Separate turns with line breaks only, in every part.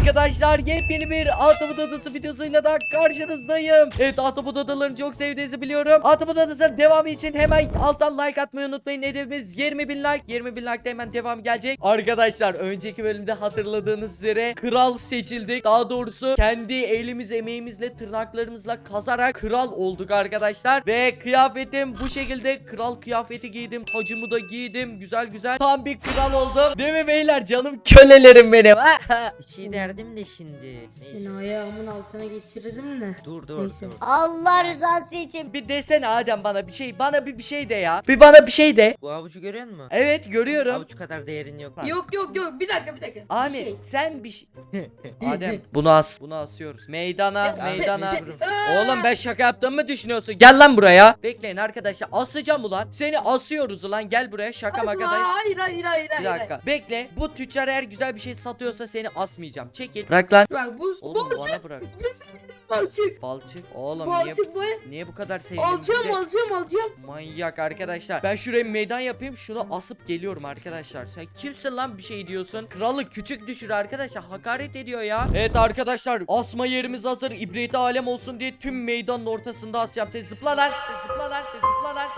Arkadaşlar yepyeni bir Ahtapot Adası videosuyla da karşınızdayım. Evet, Ahtapot Adalarını çok sevdiğinizi biliyorum. Ahtapot Adası'nın devamı için hemen alttan like atmayı unutmayın. Hedefimiz 20.000 like. 20.000 like'da hemen devam gelecek. Arkadaşlar önceki bölümde hatırladığınız üzere kral seçildik. Daha doğrusu kendi elimiz emeğimizle tırnaklarımızla kazarak kral olduk arkadaşlar. Ve kıyafetim bu şekilde, kral kıyafeti giydim. Tacımı da giydim. Güzel güzel. Tam bir kral oldum. Değil mi beyler? Canım kölelerim benim.
Bir şey derdim de şimdi.
Seni
Neyse.
ayağımın altına geçirdim de.
Dur.
Neyse.
Allah rızası için.
Bir desene Adem bana bir şey. Bana bir şey de ya. Bir bana bir şey de.
Bu avucu görüyor musun?
Evet görüyorum.
Avuç kadar değerin yok.
Yok. Bir dakika. Bir
Ahmet
şey.
sen bir şey. Adem bunu as. Bunu asıyoruz. Meydana. Oğlum ben şaka yaptığımı mı düşünüyorsun? Gel lan buraya. Bekleyin arkadaşlar. Asacağım ulan. Seni asıyoruz ulan. Gel buraya. Şaka
Açma,
makadayım.
hayır.
Bir dakika. Bekle. Bu tüccar eğer güzel bir şey satıyorsa seni asmayacağım. Çekil. Bırak lan.
Bak bu
Oğlum
balçık.
bana bırak.
Balçık.
Balçık. Oğlum
Balçık bu.
niye bu kadar sevdin?
Alacağım.
Manyak arkadaşlar. Ben şuraya meydan yapayım. Şunu asıp geliyorum arkadaşlar. Sen kimsin lan bir şey diyorsun? Kralı küçük düşür arkadaşlar. Hakaret ediyor ya. Evet arkadaşlar. Asma yerimiz hazır. İbreti alem olsun diye tüm meydanın ortasında asacağım. Sen zıpla lan. Zıpla lan.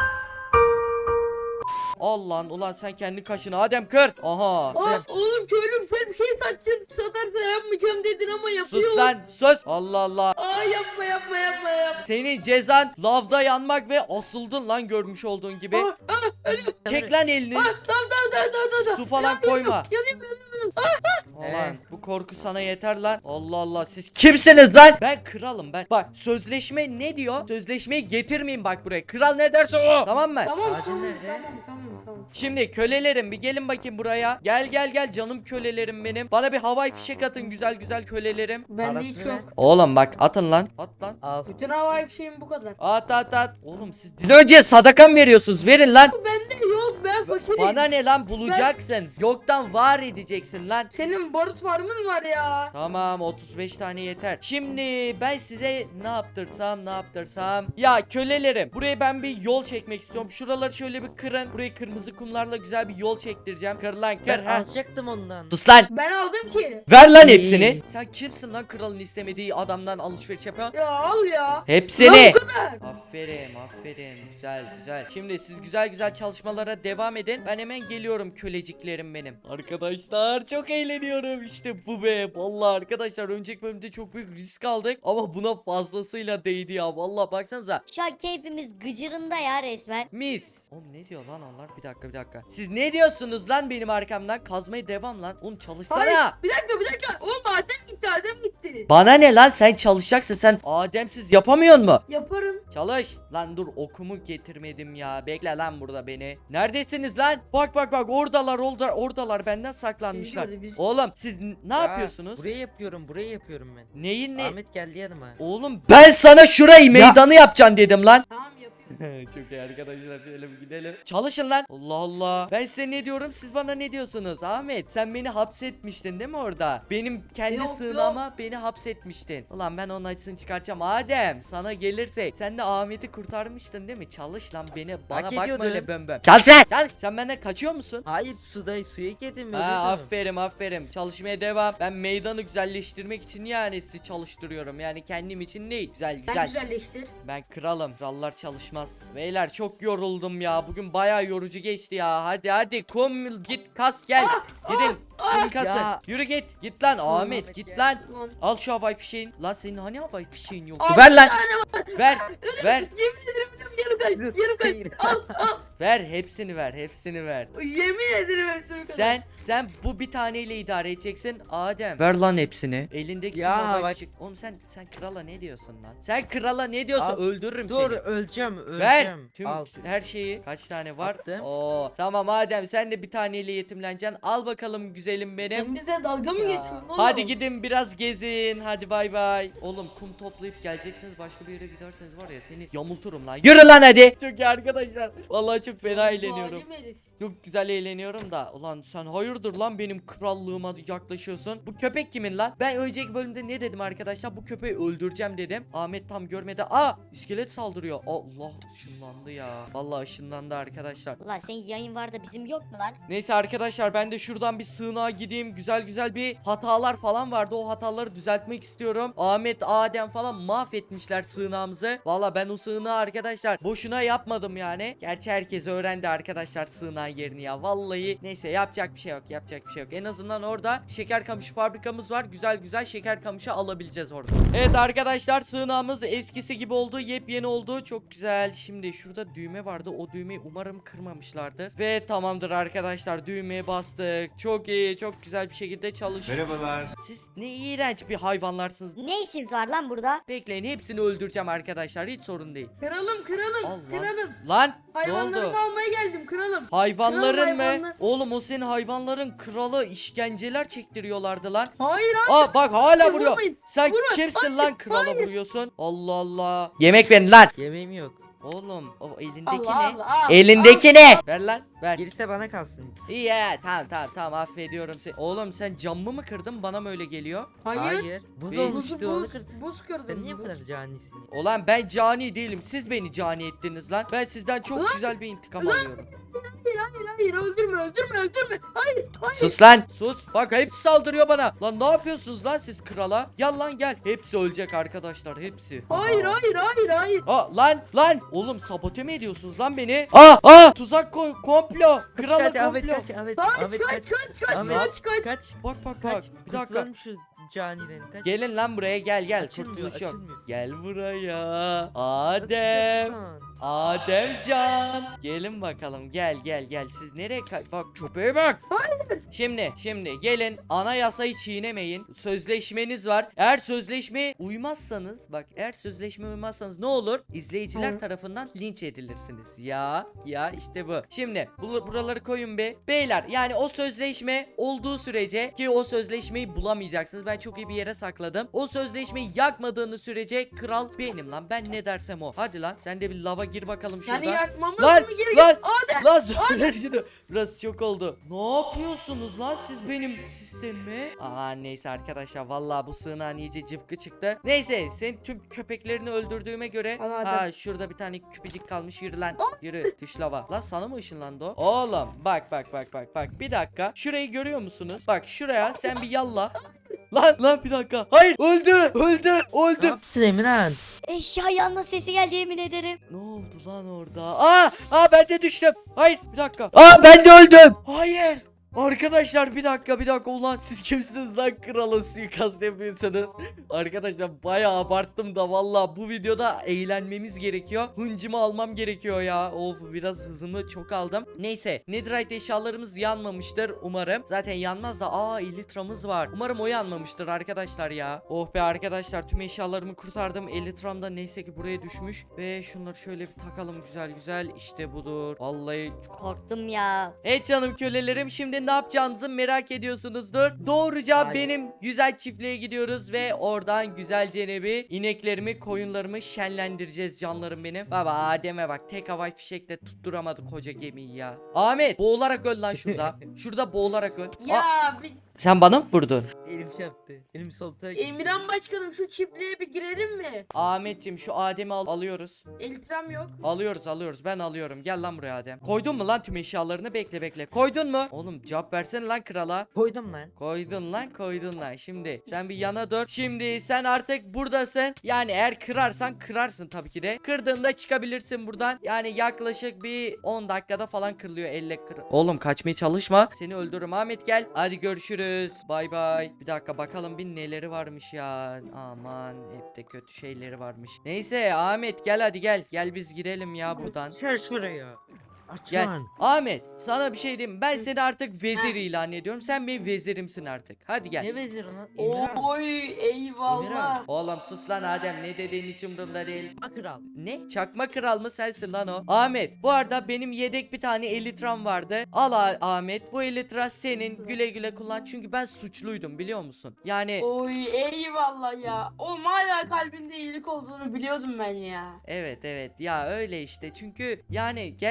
Allah'ın ulan sen kendi kaşını Adem kır. Aha.
Oğlum köylüm sen bir şey satarsa yapmayacağım dedin ama yapıyor.
Sus lan sus. Allah Allah.
Yapma.
Senin cezan lavda yanmak ve asıldın lan görmüş olduğun gibi.
Ölüyorum.
Çek lan elini.
Tamam.
Su falan koyma.
Yanayım.
Ulan bu korku sana yeter lan. Allah Allah siz kimsiniz lan? Ben kralım ben. Bak sözleşme ne diyor? Sözleşmeyi getirmeyin bak buraya. Kral ne derse o. Tamam mı?
Ağacın nerede?
Tamam.
Şimdi kölelerim bir gelin bakayım buraya. Gel canım kölelerim benim. Bana bir havai fişek atın güzel kölelerim.
Bende
Parasını
hiç
ver.
yok.
Oğlum bak atın lan. At lan.
Al.
Bütün havai fişeğim bu kadar.
At. Oğlum siz dilenci sadaka mı veriyorsunuz? Verin lan.
Bende yok, ben fakirim.
Bana ne lan bulacaksın. Yoktan var edeceksin lan.
Senin barut farmın var ya.
Tamam 35 tane yeter. Şimdi ben size ne yaptırsam. Ya kölelerim buraya ben bir yol çekmek istiyorum. Şuraları şöyle bir kırın. Burayı kırmızı kumlarla güzel bir yol çektireceğim. Kır lan kır.
Ben
Ha.
alacaktım ondan.
Sus lan.
Ben aldım ki.
Ver lan
İyi.
hepsini. Sen kimsin lan kralın istemediği adamdan alışveriş yapan?
Ya al ya.
Hepsini.
Ya bu kadar.
Aferin. Güzel. Şimdi siz güzel çalışmalara devam edin. Ben hemen geliyorum köleciklerim benim. Arkadaşlar çok eğleniyorum. İşte bu be. Vallahi arkadaşlar önceki bölümde çok büyük risk aldık. Ama buna fazlasıyla değdi ya. Vallahi baksanıza.
Şu an keyfimiz gıcırında ya resmen.
Mis. Oğlum ne diyor lan onlar? Bir dakika. Siz ne diyorsunuz lan benim arkamdan? Kazmaya devam lan. Oğlum çalışsana.
Hayır. Bir dakika. Oğlum Adem gitti.
Bana ne lan sen çalışacaksın sen Ademsiz yapamıyor mu?
Yaparım.
Çalış. Lan dur okumu getirmedim ya. Bekle lan burada beni. Neredesiniz lan? Bak oradalar benden saklanmışlar.
Biz gördük, biz.
Oğlum siz ne yapıyorsunuz?
Burayı yapıyorum ben.
Neyin ne?
Ahmet geldi yanıma.
Oğlum ben sana şurayı meydanı yapacaksın dedim lan.
Tamam yapıyorum.
Çok iyi arkadaşlar şöyle bir gidelim. Çalışın lan. Allah Allah. Ben size ne diyorum siz bana ne diyorsunuz? Ahmet sen beni hapsetmiştin değil mi orada? Benim kendi
Yok,
sığınağıma beni hapsetmiştin. Ulan ben onun acısını çıkartacağım. Adem sana gelirsek sen de Ahmet'i kurtarmıştın değil mi? Çalış lan bana bakma
ediyordun.
öyle bömböm. Çalış. Sen benden kaçıyor musun?
Hayır suya girdim.
Ha, aferin çalışmaya devam. Ben meydanı güzelleştirmek için yani sizi çalıştırıyorum. Yani kendim için değil.
Sen
Güzel.
güzelleştir.
Ben kralım. Krallar çalışmaz. Beyler çok yoruldum ya. Bugün bayağı yorucu geçti ya. Hadi kum git kas gel. Gidin. Kum kasın.
Ya.
Yürü git. Git lan Ahmet git
ya.
lan.
Lan.
Al şu havai fişeğin. Lan senin hani havai fişeğin yok?
Al,
Ver
bir
lan.
tane var.
Ver.
Yemin ederim yarım kay.
Hayır.
Al.
Ver hepsini ver.
Yemin ederim hepsini kadar.
Sen bu bir taneyle idare edeceksin Adem. Ver lan hepsini. Elindeki
Ya
tüm havai
bak-
fişek. Oğlum sen krala ne diyorsun lan? Sen krala ne diyorsun?
Al.
Öldürürüm
Dur
seni.
öleceğim.
Ver tüm
Al.
her şeyi. Kaç tane var?
Attım.
Oo tamam Adem sen de bir taneyle yetimleneceksin. Al bakalım güzelim benim.
Sen bize dalga mı
Ya.
geçiyorsun oğlum?
Hadi gidin biraz gezin. Hadi bay bay. Oğlum kum toplayıp geleceksiniz. Başka bir yere giderseniz var ya seni yamulturum lan. Yürü lan hadi. Çok iyi arkadaşlar. Vallahi çok çok fena eğleniyorum.
Zalim herif.
Çok güzel eğleniyorum da. Ulan sen hayırdır lan benim krallığıma yaklaşıyorsun. Bu köpek kimin lan? Ben önceki bölümde ne dedim arkadaşlar? Bu köpeği öldüreceğim dedim. Ahmet tam görmedi. Aa, iskelet saldırıyor. Allah, ışınlandı ya. Vallahi ışınlandı arkadaşlar.
Ulan senin yayın var da bizim yok mu lan?
Neyse arkadaşlar, ben de şuradan bir sığınağa gideyim. Güzel güzel bir hatalar falan vardı. O hataları düzeltmek istiyorum. Ahmet, Adem falan mahvetmişler sığınağımızı. Valla ben o sığınağı arkadaşlar boşuna yapmadım yani. Gerçi herkes öğrendi arkadaşlar sığınağın yerini ya. Vallahi neyse, yapacak bir şey yok. Yapacak bir şey yok. En azından orada şeker kamışı fabrikamız var. Güzel güzel şeker kamışı alabileceğiz orada. Evet arkadaşlar, sığınağımız eskisi gibi oldu. Yepyeni oldu. Çok güzel. Şimdi şurada düğme vardı. O düğmeyi umarım kırmamışlardır. Ve tamamdır arkadaşlar. Düğmeye bastık. Çok iyi. Çok güzel bir şekilde çalışıyor.
Merhabalar.
Siz ne iğrenç bir hayvanlarsınız.
Ne işiniz var lan burada?
Bekleyin, hepsini öldüreceğim arkadaşlar. Hiç sorun değil.
Kralım kralım
Allah.
kralım.
Lan ne oldu?
Hayvanlarımı almaya geldim kralım.
Hayvanların
Kral
mı?
hayvanlar.
Oğlum o senin hayvanların kralı, işkenceler çektiriyorlardı lan.
Hayır
Aa bak hala
hayır,
vuruyor.
vurmayın.
Sen
Vurma,
kimsin lan krala
hayır.
vuruyorsun? Allah Allah. Yemek verin lan.
Yemeğim yok.
Oğlum o elindeki
Allah
ne?
Allah.
Elindeki ne? Ver lan ver.
Gerisi bana kalsın.
İyi ya, tamam affediyorum seni. Oğlum sen camımı mı kırdın, bana mı öyle geliyor?
Hayır.
Buz
Bir-
olmuştu onu
Buz,
kırdın.
buz kırdım.
Sen niye bu
buz.
kadar canisin?
Ulan ben cani değilim, siz beni cani ettiniz lan. Ben sizden çok
Lan!
güzel bir intikam alıyorum.
Hayır öldürme. Hayır.
Sus lan sus, bak hepsi saldırıyor bana. Lan ne yapıyorsunuz lan siz krala? Gel lan gel, hepsi ölecek arkadaşlar, hepsi.
Hayır.
Aa lan oğlum, sabote mi ediyorsunuz lan beni? Aa tuzak koy, komplo, krala
Kaç Ahmet
komplo.
kaç Ahmet.
Kaç
Ahmet
kaç.
Kaç.
Bak
Kaç.
bir dakika.
Kurtulalım şu caniden. Kaç.
Gelin lan buraya, gel
Açılmıyor,
kurtuluş yok.
açılmıyor.
Gel buraya
Nasıl
Adem.
çıkacak buradan?
Ademcan. Gelin bakalım, gel siz nereye bak köpeğe bak. Şimdi gelin, anayasayı çiğnemeyin. Sözleşmeniz var. Eğer sözleşmeye uymazsanız, bak eğer sözleşmeye uymazsanız ne olur? İzleyiciler
Hı.
tarafından linç edilirsiniz. Ya işte bu. Şimdi buraları koyun be. Beyler, yani o sözleşme olduğu sürece, ki o sözleşmeyi bulamayacaksınız. Ben çok iyi bir yere sakladım. O sözleşmeyi yakmadığınız sürece kral benim lan. Ben ne dersem o. Hadi lan sen de bir lava gir bakalım şurada.
Yani yakmamız
Lan,
mı gerekiyor?
lan,
Adem.
Lan söyle şunu. Burası çok oldu. Ne yapıyorsunuz lan siz benim sistemime? Aa neyse arkadaşlar, vallahi bu sığınağın iyice cıvkı çıktı. Neyse, senin tüm köpeklerini öldürdüğüme göre.
Al Adem.
Ha şurada bir tane küpecik kalmış, yürü lan. Yürü düş lava. Lan sana mı ışınlandı o? Oğlum bak. Bir dakika. Şurayı görüyor musunuz? Bak şuraya sen bir yalla. Lan bir dakika. Hayır, öldü.
Ne yaptın Emirhan?
Eşya yanma sesi geldi yemin ederim.
Ne oldu lan orada? Aa ben de düştüm. Hayır bir dakika. Aa ben de öldüm. Hayır. Arkadaşlar bir dakika, ulan siz kimsiniz lan, krala suikast yapıyorsunuz? Arkadaşlar bayağı abarttım da, vallahi bu videoda eğlenmemiz gerekiyor. Hıncımı almam gerekiyor ya. Of, biraz hızımı çok aldım. Neyse, netherite eşyalarımız yanmamıştır umarım. Zaten yanmaz da elitramız var. Umarım o yanmamıştır arkadaşlar ya. Oh be arkadaşlar, tüm eşyalarımı kurtardım. Elitram da neyse ki buraya düşmüş. Ve şunları şöyle bir takalım güzel. İşte budur. Vallahi.
Korktum ya.
Evet canım kölelerim, şimdi ne yapacağınızı merak ediyorsunuzdur. Doğruca
Hayır.
benim güzel çiftliğe gidiyoruz ve oradan güzelce bir ineklerimi, koyunlarımı şenlendireceğiz canlarım benim. Baba Adem'e bak, tek havai fişekle tutturamadı koca gemiyi ya. Ahmet, boğularak öl lan şurada. Şurada boğularak öl.
Ya
Sen bana mı vurdun?
Elim şey yaptı. Elim solta.
Emirhan başkanım şu çiftliğe bir girelim mi?
Ahmetciğim şu Adem'i alıyoruz.
Eltram yok.
Alıyoruz, ben alıyorum. Gel lan buraya Adem. Koydun mu lan tüm eşyalarını? Bekle. Koydun mu? Oğlum cevap versene lan krala.
Koydum lan.
Koydun lan. Şimdi sen bir yana dur. Şimdi sen artık buradasın. Yani eğer kırarsan kırarsın tabii ki de. Kırdığında çıkabilirsin buradan. Yani yaklaşık bir 10 dakikada falan kırılıyor elle Oğlum kaçmaya çalışma. Seni öldürürüm Ahmet, gel. Hadi görüşürüz. Bay bay. Bir dakika bakalım bir neleri varmış ya. Aman hep de kötü şeyleri varmış. Neyse Ahmet gel, hadi gel. Gel biz girelim ya buradan.
Gel şuraya. Aç
Gel.
lan.
Ahmet sana bir şey diyeyim mi? Ben seni artık vezir ilan ediyorum. Sen benim vezirimsin artık. Hadi gel.
Ne veziri lan? Emirhan.
Oy eyvallah.
Emirhan.
Oğlum sus lan Adem, ne dediğin hiç umurumda değil.
Kral.
Ne? Çakma kral mı sensin lan o? Ahmet, bu arada benim yedek bir tane elitram vardı. Al Ahmet, bu elitra senin, güle güle kullan. Çünkü ben suçluydum biliyor musun? Yani
Oy eyvallah ya. Oğlum hala kalbinde iyilik olduğunu biliyordum ben ya.
evet ya öyle işte. Çünkü yani gerçekten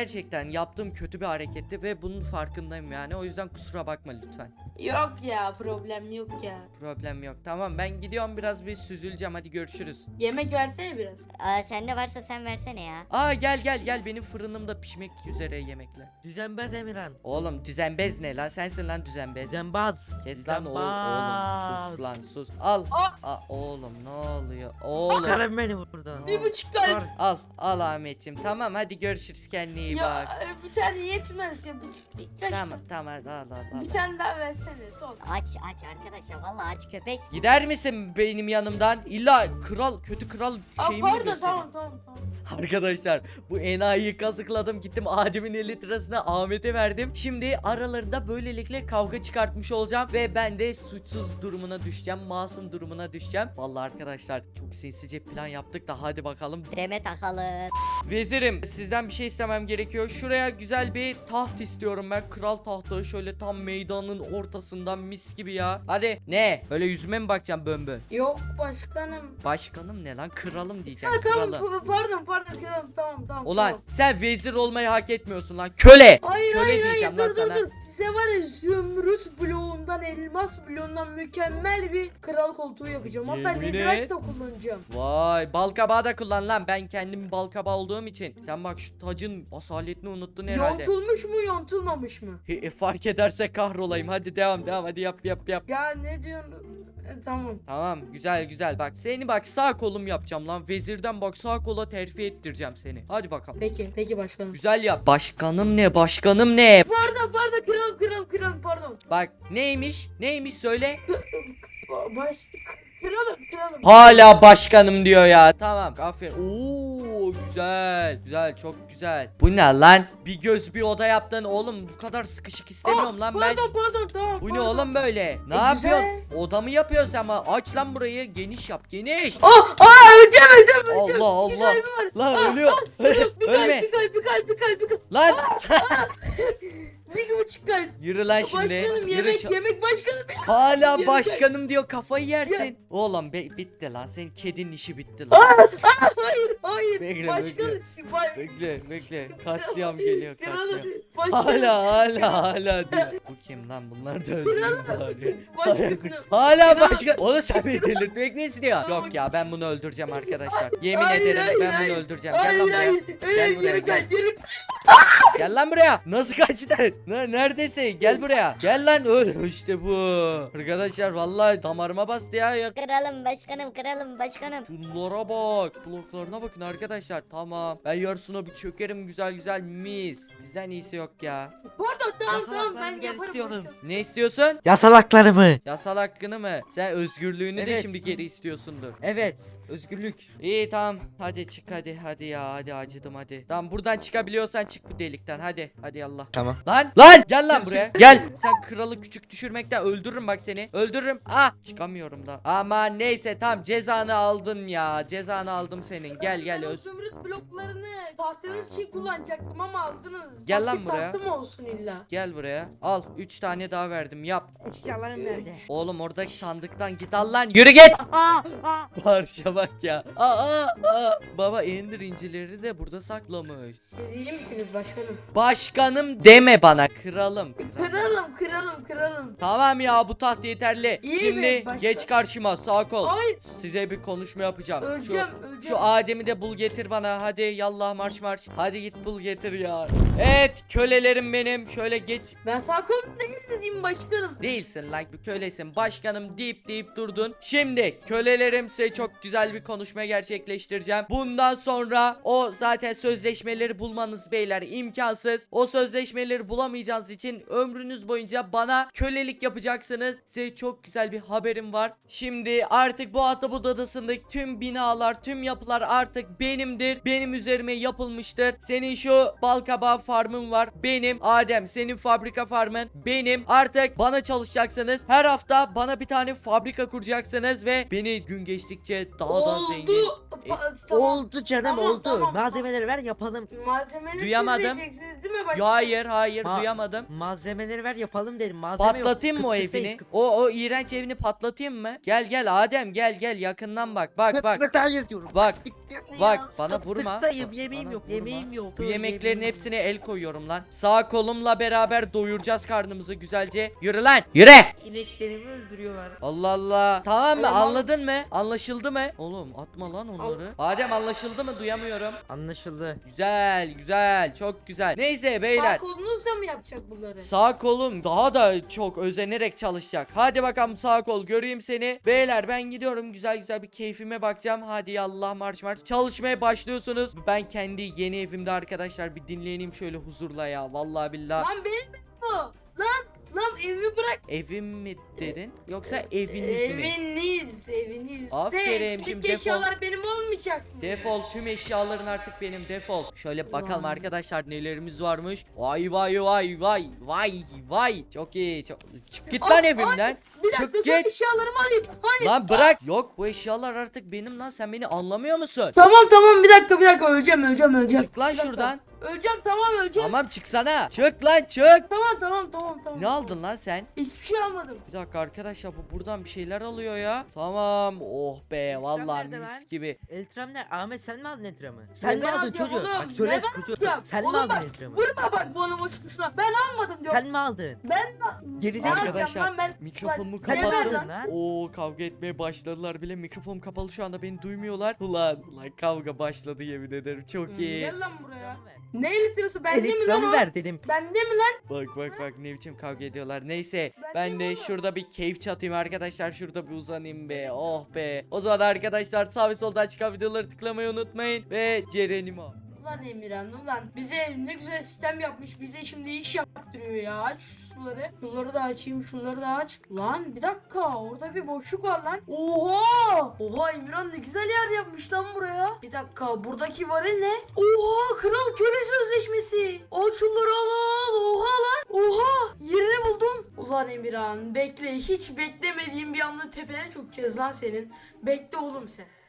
yani yaptığım kötü bir hareketti ve bunun farkındayım yani. O yüzden kusura bakma lütfen.
Yok ya, problem yok ya.
Problem yok. Tamam, ben gidiyorum, biraz bir süzüleceğim. Hadi görüşürüz.
Yemek versene biraz.
Sende varsa sen versene ya.
Aa, gel benim fırınımda pişmek üzere yemekler.
Düzenbaz Emirhan.
Oğlum düzenbez ne lan? Sensin lan düzenbez.
Düzenbaz.
Kes lan oğlum
Düzenbaz.
sus lan sus. Al. Aa, oğlum ne oluyor? Oğlum.
Çıkarın beni buradan.
1,5 kalp.
Al Ahmetciğim. Tamam, hadi görüşürüz, kendine iyi
Ya
bak.
bir tane yetmez ya. Kaç
Tamam hadi al.
Bir tane daha versene son.
Aç arkadaşlar, vallahi aç köpek.
Gider misin benim yanımdan? İlla kötü kral şeyimi
Pardon,
göstereyim.
tamam.
Arkadaşlar, bu enayiyi kazıkladım, gittim Adem'in 50 lirasını Ahmet'e verdim. Şimdi aralarında böylelikle kavga çıkartmış olacağım ve ben de suçsuz durumuna düşeceğim, masum durumuna düşeceğim. Vallahi arkadaşlar, çok sinsice plan yaptık da hadi bakalım.
Direme takalım.
Vezirim, sizden bir şey istemem gerekiyor. Şuraya güzel bir taht istiyorum ben. Kral tahtı, şöyle tam meydanın ortasından, mis gibi ya. Hadi ne? Öyle yüzüme mi bakacağım bömbö?
Yok başkanım.
Başkanım ne lan? Kralım diyeceğim.
Tamam,
Kralım.
pardon tamam.
Ulan
tamam.
sen vezir olmayı hak etmiyorsun lan. Köle.
Hayır
Köle
hayır
diyeceğim lan
dur
sana.
Size var ya zümrüt bloğundan, elmas bloğundan mükemmel bir kral koltuğu yapacağım. Hatta
Yemin
netherite
et.
de kullanacağım.
Vay, balkabağı da kullan lan. Ben kendim balkabağı olduğum için. Sen bak, şu tacın asaletini unuttun herhalde.
Yontulmuş mu yontulmamış mı?
Fark ederse kahrolayım. Hadi devam hadi yap.
Ya ne diyorsun? Tamam.
Tamam, güzel bak, seni bak sağ kolum yapacağım lan. Vezirden bak sağ kola terfi ettireceğim seni. Hadi bakalım.
Peki başkanım.
Güzel yap. Başkanım ne?
Pardon kralım pardon.
Bak neymiş söyle.
Kralım.
Hala başkanım diyor ya. Tamam, aferin. Oo, güzel çok güzel. Bu ne lan? Bir göz bir oda yaptın oğlum. Bu kadar sıkışık istemiyorum lan ben.
Pardon tamam.
Bu ne oğlum böyle? Ne
güzel.
yapıyorsun? Oda mı yapıyorsun sen? Aç lan burayı. Geniş yap. Geniş.
Öleceğim.
Allah.
Bir kalbim var.
Lan ölüyor. Ölme.
Bir kalp.
Lan.
1,5 kalp.
Yürü lan şimdi.
Başkanım
Yürü
yemek başkanım.
Hala
Yemek-
başkanım diyor, kafayı yersin. Oğlum bitti lan. Senin kedinin işi bitti lan.
Hayır.
Bekle,
Başkanım.
Bekle. Katliam geliyor,
Kralım.
katliam.
Başkanım.
Hala diyor. Bu kim lan? Bunlar da öldürün bari.
Başkanım.
Hala başkan. Oğlum sen beni delirtmek ne istiyor? Yok ya, ben bunu öldüreceğim arkadaşlar. Yemin
Hayır,
ederim
hayır,
ben
hayır.
bunu öldüreceğim. Gel lan buraya.
Hayır.
Gel buraya, gel.
Geri.
Gel lan buraya. Nasıl kaçtın? Neredesin? Gel buraya. Gel lan, öl. İşte bu. Arkadaşlar vallahi damarıma bastı ya.
Kralım başkanım.
Şunlara bak. Bloklarına bakın arkadaşlar. Tamam. Ben yarısına bir çökerim güzel mis. Bizden iyisi yok ya.
Pardon tamam ben
Yasalaklarını
yaparım
istiyorum.
başkanım.
Ne istiyorsun?
Yasal haklarımı.
Yasal hakkını mı? Sen özgürlüğünü de
Evet.
şimdi geri istiyorsundur.
Evet. Özgürlük.
İyi tamam. Hadi çık hadi ya. Hadi acıdım hadi. Tamam, buradan çıkabiliyorsan çık bu delikten. Hadi Allah.
Tamam.
Lan gel lan buraya. Gel. Sen kralı küçük düşürmekten öldürürüm bak seni. Öldürürüm. Çıkamıyorum da. Ama neyse, tamam, cezanı aldın ya. Cezanı aldım senin. Gel
Ben o
öz.
zümrüt bloklarını tahtınız için kullanacaktım ama aldınız.
Gel lan
Aktif
buraya.
tahtım olsun illa.
Gel buraya. Al 3 tane daha verdim. Yap.
Eşyalarım nerede?
Oğlum oradaki sandıktan git, al lan. Yürü git. Parça bak ya. Baba Ender incileri de burada saklamış.
Siz iyi misiniz başkanım?
Başkanım deme bana, kralım.
Kralım.
Tamam ya, bu taht yeterli.
İyi
Şimdi
mi başkan?
geç karşıma, sağ kol.
Hayır.
Size bir konuşma yapacağım.
Öleceğim.
Şu Adem'i de bul getir bana. Hadi yallah marş. Hadi git bul getir ya. Evet, kölelerim benim. Şöyle geç.
Ben sağ kolum değil dediğim başkanım.
Değilsin lan, bir kölesin. Başkanım deyip durdun. Şimdi kölelerim, size çok güzel bir konuşma gerçekleştireceğim. Bundan sonra o zaten sözleşmeleri bulmanız beyler imkansız. O sözleşmeleri bulamayacağınız için ömrünüz boyunca bana kölelik yapacaksınız. Size çok güzel bir haberim var. Şimdi artık bu Atabut Adası'ndaki tüm binalar, tüm yapılar artık benimdir. Benim üzerime yapılmıştır. Senin şu balkabağı farmın var. Benim. Adem, senin fabrika farmın benim. Artık bana çalışacaksınız. Her hafta bana bir tane fabrika kuracaksınız ve beni gün geçtikçe daha da zengin.
Oldu canım
Tamam,
oldu.
tamam.
Malzemeleri ver yapalım.
Malzemeleri
Duyamadım.
siz vereceksiniz değil mi başkanım?
Hayır
Ma-
duyamadım.
Malzemeleri ver yapalım dedim. Malzeme yok.
Patlatayım mı o
Kıt kıt
evini?
face, kıt-
O iğrenç evini patlatayım mı? Gel Adem, gel yakından bak. Bak.
Kıt kıt hayır diyorum.
Bak. Bak bana vurma.
Tıktayım,
Bak,
yemeğim
bana
yok,
vurma.
yemeğim yok.
Bu yemeklerin hepsine el koyuyorum lan. Sağ kolumla beraber doyuracağız karnımızı güzelce. Yürü lan yürü.
İneklerimi öldürüyorlar.
Allah Allah. Tamam mı?
Tamam.
Anladın mı? Anlaşıldı mı? Oğlum atma lan onları. Adem anlaşıldı mı? Duyamıyorum.
Anlaşıldı.
Güzel güzel çok güzel. Neyse
Sağ
beyler.
kolunuzla mı yapacak bunları?
Sağ kolum daha da çok özenerek çalışacak. Hadi bakalım sağ kol göreyim seni. Beyler ben gidiyorum güzel güzel bir keyfime bakacağım. Hadi yallah marş marş. Çalışmaya başlıyorsunuz. Ben kendi yeni evimde arkadaşlar bir dinleneyim şöyle huzurla ya. Vallahi billahi.
Lan benim mi bu? Lan evimi bırak.
Evim mi dedin? Yoksa eviniz mi?
Eviniz.
Aferin,
De,
şimdi
üstteki
defol.
eşyalar benim olmayacak mı?
Defol tüm eşyaların artık benim defol. Şöyle bakalım
Ulan.
arkadaşlar nelerimiz varmış. Vay vay vay vay vay vay. Çok iyi. Çok... Çık git lan evimden.
Bir dakika
Çık
sen
git.
eşyalarımı alayım. Hani?
Lan bırak. Yok bu eşyalar artık benim lan. Sen beni anlamıyor musun?
Tamam bir dakika öleceğim.
Çık lan
Bir dakika.
şuradan.
Öleceğim öleceğim.
Tamam çıksana. Çık lan çık.
Tamam.
Ne aldın lan sen?
Hiçbir şey almadım.
Bir dakika arkadaşlar bu buradan bir şeyler alıyor ya. Tamam. Oh be vallahi
nerede
mis
lan?
gibi.
Eltram ne? Ahmet sen mi aldın Eltram'ı? Sen mi
ben
aldın
alacağım
çocuğu?
oğlum,
Bak söyle
ne ben
çocuğu.
alacağım?
Sen mi
Oğlum
aldın
bak,
Eltram'ı?
Vurma bak bu onun uçtusuna. Ben almadım diyorum.
Sen mi aldın?
Ben
Gerizekalı.
Ne alacağım
Arkadaşlar
lan ben?
mikrofonumu
Bak, ne
kapattım.
vereceğim?
lan?
Oo kavga etmeye başladılar bile. Mikrofonum kapalı şu anda beni duymuyorlar. Ulan kavga başladı yemin ederim. Çok iyi.
Gel lan buraya. Ne elektriği? Bende mi lan
Eltram'ı
o?
ver dedim.
Bende mi lan?
Bak ne biçim kavga ediyorlar. Neyse
Ben
ben
de
de şurada bir keyif çatayım arkadaşlar. Şurada bir uzanayım be. Oh be. O zaman arkadaşlar sağ ve soldan çıkan videoları tıklamayı unutmayın. Ve Cerenimo.
Ulan Emirhan ulan bize ne güzel sistem yapmış, bize şimdi iş yaptırıyor ya. Aç şu suları. Şunları da açayım, şunları da aç. Lan bir dakika, orada bir boşluk var lan. Oha Emirhan ne güzel yer yapmış lan buraya. Bir dakika, buradaki varil ne? Oha, kral köle sözleşmesi. Al şunları, al. Oha lan. Oha, yerini buldum. Ulan Emirhan bekle, hiç beklemediğim bir anda tepene çökeceğiz lan senin. Bekle oğlum sen.